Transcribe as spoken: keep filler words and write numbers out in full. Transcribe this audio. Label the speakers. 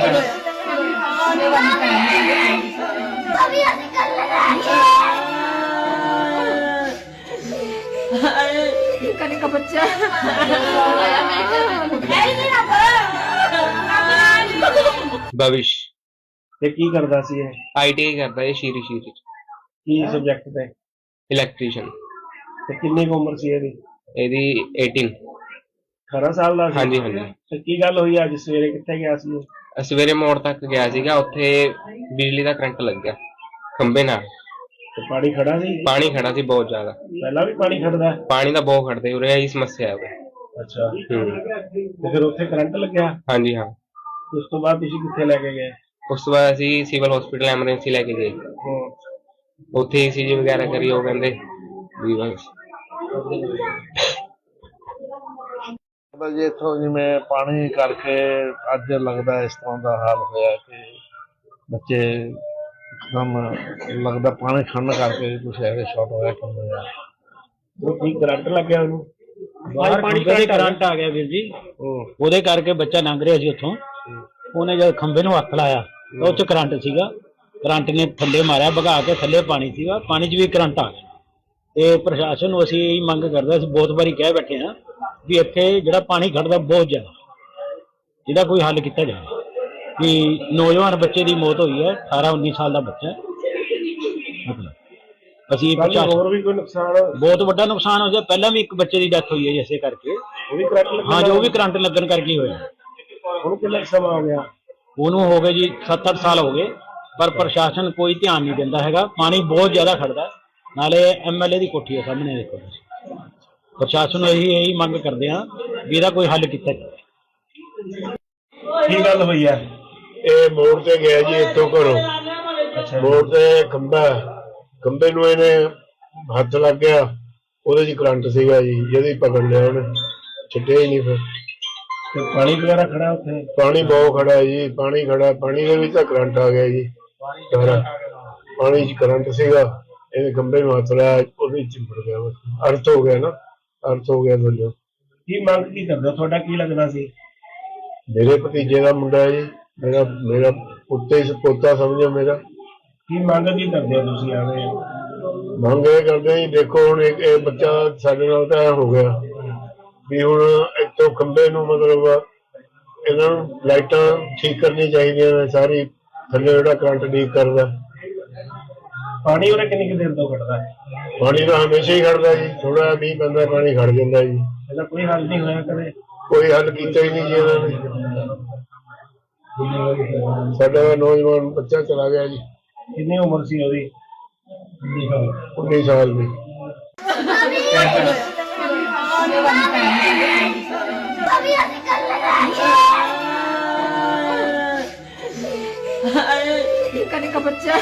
Speaker 1: कने का बच्चा
Speaker 2: भविष्य
Speaker 3: ਤੇ ਕੀ ਕਰਦਾ ਸੀ ਇਹ?
Speaker 2: आई टी आई करता है शीरी शीरी
Speaker 3: ਕੀ ਸਬਜੈਕਟ ਤੇ?
Speaker 2: इलैक्ट्रीशियन
Speaker 3: ਤੇ ਕਿੰਨੀ ਕੁ ਉਮਰ ਸੀ ਇਹਦੀ?
Speaker 2: ਇਹਦੀ eighteen
Speaker 3: ਅਠਾਰਾਂ ਸਾਲ ਦਾ ਸੀ?
Speaker 2: ਹਾਂਜੀ ਹਾਂਜੀ
Speaker 3: ਤੇ ਕੀ ਗੱਲ ਹੋਈ ਅੱਜ ਸਵੇਰੇ, ਕਿੱਥੇ ਗਿਆ ਸੀ ਉਹ?
Speaker 2: ਸਵੇਰੇ ਮੋੜ ਤੱਕ ਗਿਆ ਸੀਗਾ, ਉੱਥੇ ਬਿਜਲੀ ਦਾ ਕਰੰਟ ਲੱਗ ਗਿਆ ਖੰਭੇ ਨਾਲ।
Speaker 3: ਤੇ ਪਾਣੀ ਖੜਾ ਸੀ?
Speaker 2: ਪਾਣੀ ਖੜਾ ਸੀ ਬਹੁਤ ਜ਼ਿਆਦਾ।
Speaker 3: ਪਹਿਲਾਂ ਵੀ ਪਾਣੀ ਖੜਦਾ ਹੈ?
Speaker 2: ਪਾਣੀ ਦਾ ਬਹੁਤ ਖੜਦੇ ਉਰੇ, ਇਹੀ ਸਮੱਸਿਆ ਹੈ ਉਰੇ।
Speaker 3: ਅੱਛਾ,
Speaker 2: ਹੂੰ
Speaker 3: ਤੇ ਫਿਰ ਉੱਥੇ ਕਰੰਟ ਲੱਗਿਆ?
Speaker 2: ਹਾਂਜੀ ਹਾਂ।
Speaker 3: ਉਸ ਤੋਂ ਬਾਅਦ ਤੁਸੀਂ ਕਿੱਥੇ ਲੈ ਕੇ ਗਏ?
Speaker 2: ਉਸ ਤੋਂ ਬਾਅਦ ਅਸੀਂ ਸਿਵਲ ਹਸਪੀਟਲ ਐਮਰਜੈਂਸੀ ਲੈ ਕੇ ਗਏ,
Speaker 3: ਹੂੰ।
Speaker 2: ਉੱਥੇ ਈ ਸੀ ਜੀ ਵਗੈਰਾ ਕਰੀ, ਉਹ ਕਹਿੰਦੇ ਵੀ ਬਸ
Speaker 4: ਜੀ ਇੱਥੋਂ ਜਿਵੇਂ ਪਾਣੀ ਕਰਕੇ ਅੱਜ ਲੱਗਦਾ ਇਸ ਤਰ੍ਹਾਂ ਦਾ ਹਾਲ ਹੋਇਆ ਕਿ ਬੱਚੇ ਇੱਕਦਮ ਲੱਗਦਾ ਪਾਣੀ ਖੜਨ ਕਰਕੇ ਕੁਛ ਐਵੇਂ ਸ਼ਾਰਟ ਹੋਇਆ ਕਿ ਹੋਇਆ।
Speaker 3: ਉਹ ਕੀ ਕਰੰਟ ਲੱਗਿਆ ਉਹਨੂੰ?
Speaker 5: ਬਾਹਰ ਪਾਣੀ ਦੇ ਕਰੰਟ ਆ ਗਿਆ ਵੀਰ ਜੀ, ਉਹਦੇ ਕਰਕੇ ਬੱਚਾ ਲੰਘ ਰਿਹਾ ਸੀ ਉੱਥੋਂ। ਉਹਨੇ ਜਦ ਖੰਭੇ ਨੂੰ ਹੱਥ ਲਾਇਆ ਤਾਂ ਉਹ 'ਚ ਕਰੰਟ ਸੀਗਾ, ਕਰੰਟ ਨੇ ਥੱਲੇ ਮਾਰਿਆ, ਭਗਾ ਕੇ ਥੱਲੇ ਪਾਣੀ ਸੀਗਾ, ਪਾਣੀ 'ਚ ਵੀ ਕਰੰਟ ਆ ਗਿਆ। ਤੇ ਪ੍ਰਸ਼ਾਸਨ ਨੂੰ ਅਸੀਂ ਇਹੀ ਮੰਗ ਕਰਦੇ, ਅਸੀਂ ਬਹੁਤ ਵਾਰੀ ਕਹਿ ਬੈਠੇ ਹਾਂ ਵੀ ਇੱਥੇ ਜਿਹੜਾ ਪਾਣੀ ਖੜਦਾ ਬਹੁਤ ਜ਼ਿਆਦਾ, ਜਿਹਦਾ ਕੋਈ ਹੱਲ ਕੀਤਾ ਜਾਵੇ। ਵੀ ਨੌਜਵਾਨ ਬੱਚੇ ਦੀ ਮੌਤ ਹੋਈ ਹੈ, ਅਠਾਰਾਂ ਉੱਨੀ ਸਾਲ ਦਾ ਬੱਚਾ ਹੈ। ਮਤਲਬ ਅਸੀਂ
Speaker 3: ਹੋਰ ਵੀ ਕੋਈ ਨੁਕਸਾਨ?
Speaker 5: ਬਹੁਤ ਵੱਡਾ ਨੁਕਸਾਨ ਹੋ ਗਿਆ, ਪਹਿਲਾਂ ਵੀ ਇੱਕ ਬੱਚੇ ਦੀ ਡੈਥ ਹੋਈ ਹੈ ਇਸੇ ਕਰਕੇ।
Speaker 3: ਉਹ ਵੀ ਕਰੰਟ ਲੱਗਿਆ?
Speaker 5: ਹਾਂ ਜੀ, ਉਹ ਵੀ ਕਰੰਟ ਲੱਗਣ ਕਰਕੇ ਹੀ ਹੋਇਆ।
Speaker 3: ਉਹਨੂੰ ਕਿੰਨਾ ਸਮਾਂ ਹੋ ਗਿਆ?
Speaker 5: ਉਹਨੂੰ ਹੋ ਗਏ ਜੀ ਸੱਤ ਅੱਠ ਸਾਲ ਹੋ ਗਏ, ਪਰ ਪ੍ਰਸ਼ਾਸਨ ਕੋਈ ਧਿਆਨ ਨਹੀਂ ਦਿੰਦਾ ਹੈਗਾ। ਪਾਣੀ ਬਹੁਤ ਜ਼ਿਆਦਾ ਖੜਦਾ, ਨਾਲੇ ਐਮ ਐਲ ਏ ਦੀ ਕੋਠੀ ਹੈ ਸਾਹਮਣੇ, ਦੇਖੋ ਤੁਸੀਂ। ਪ੍ਰਸ਼ਾਸਨ ਨੂੰ ਇਹੀ ਇਹੀ ਮੰਗ ਕਰਦੇ ਹਾਂ ਵੀ ਇਹਦਾ ਕੋਈ ਹੱਲ ਕੀਤਾ ਜਾਵੇ।
Speaker 3: ਕੀ ਗੱਲ ਹੋਈ ਹੈ?
Speaker 6: ਇਹ ਮੋੜ ਤੇ ਗਿਆ ਜੀ ਇੱਥੋਂ ਘਰੋਂ। ਮੋੜ ਤੇ ਖੰਭਾ, ਖੰਭੇ ਨੂੰ ਇਹਨੇ ਹੱਥ ਲੱਗ ਗਿਆ, ਉਹਦੇ 'ਚ ਕਰੰਟ ਸੀਗਾ ਜੀ, ਜਿਹਦੇ ਪਕੜ ਲਿਆ ਉਹਨੇ, ਛੱਡਿਆ ਹੀ ਨਹੀਂ। ਫਿਰ
Speaker 3: ਤੇ ਪਾਣੀ ਵਗੈਰਾ ਖੜਾ ਉੱਥੇ?
Speaker 6: ਪਾਣੀ ਬਹੁਤ ਖੜਾ ਜੀ, ਪਾਣੀ ਖੜਾ, ਪਾਣੀ ਦੇ ਵਿੱਚ ਤਾਂ ਕਰੰਟ ਆ ਗਿਆ ਜੀ ਸਾਰਾ। ਪਾਣੀ 'ਚ ਕਰੰਟ ਸੀਗਾ, ਇਹਨੇ ਖੰਭੇ ਨੂੰ ਹੱਥ ਲਾਇਆ, ਉਹਦੇ 'ਚ ਚਿੰਬੜ ਗਿਆ, ਅਰਥ ਹੋ ਗਿਆ ਨਾ, ਅਰਥ ਹੋ ਗਿਆ ਦੋਨੋਂ।
Speaker 3: ਕੀ ਮੰਗ ਕੀ ਕਰਦੇ ਹੋ? ਤੁਹਾਡਾ ਕੀ ਲੱਗਦਾ ਸੀ?
Speaker 6: ਮੇਰੇ ਭਤੀਜੇ ਦਾ ਮੁੰਡਾ ਹੈ ਜੀ, ਮੇਰਾ ਮੇਰਾ ਪੁੱਤੇ ਪੋਤਾ ਸਮਝੋ ਮੇਰਾ।
Speaker 3: ਕੀ ਮੰਗ ਕੀ ਕਰਦੇ ਹੋ ਤੁਸੀਂ? ਆਵੇ
Speaker 6: ਮੰਗ ਇਹ ਕਰਦੇ ਜੀ, ਦੇਖੋ ਹੁਣ ਇੱਕ ਇਹ ਬੱਚਾ ਸਾਡੇ ਨਾਲ ਤਾਂ ਐ ਹੋ ਗਿਆ ਵੀ ਹੁਣ ਇੱਥੋਂ ਖੰਭੇ ਨੂੰ ਮਤਲਬ ਇਹਨਾਂ ਨੂੰ ਲਾਈਟਾਂ ਠੀਕ ਕਰਨੀ ਚਾਹੀਦੀਆਂ ਨੇ ਸਾਰੀ, ਥੱਲੇ ਜਿਹੜਾ ਕਰੰਟ ਲੀਕ ਕਰਦਾ।
Speaker 3: ਪਾਣੀ ਉਹਨੇ ਕਿੰਨੀ ਕੁ ਦੇਰ ਤੋਂ ਖੜਦਾ?
Speaker 6: ਪਾਣੀ ਤਾਂ ਹਮੇਸ਼ਾ ਹੀ ਖੜਦਾ ਜੀ, ਥੋੜਾ ਮੀਂਹ ਪੈਂਦਾ ਪਾਣੀ ਖੜ ਜਾਂਦਾ ਜੀ।
Speaker 3: ਇਹਦਾ ਕੋਈ ਹੱਲ ਨਹੀਂ ਹੋਇਆ ਕਦੇ?
Speaker 6: ਕੋਈ ਹੱਲ ਕੀਤਾ ਹੀ ਨਹੀਂ ਜੀ ਇਹਨਾਂ ਨੇ। ਸਾਡਾ ਨੌਜਵਾਨ ਬੱਚਾ ਚਲਾ ਗਿਆ ਜੀ।
Speaker 3: ਕਿੰਨੀ ਉਮਰ ਸੀ ਉਹਦੀ?
Speaker 6: ਉੱਨੀ ਸਾਲ ਦੀ।
Speaker 1: कने का बच्चा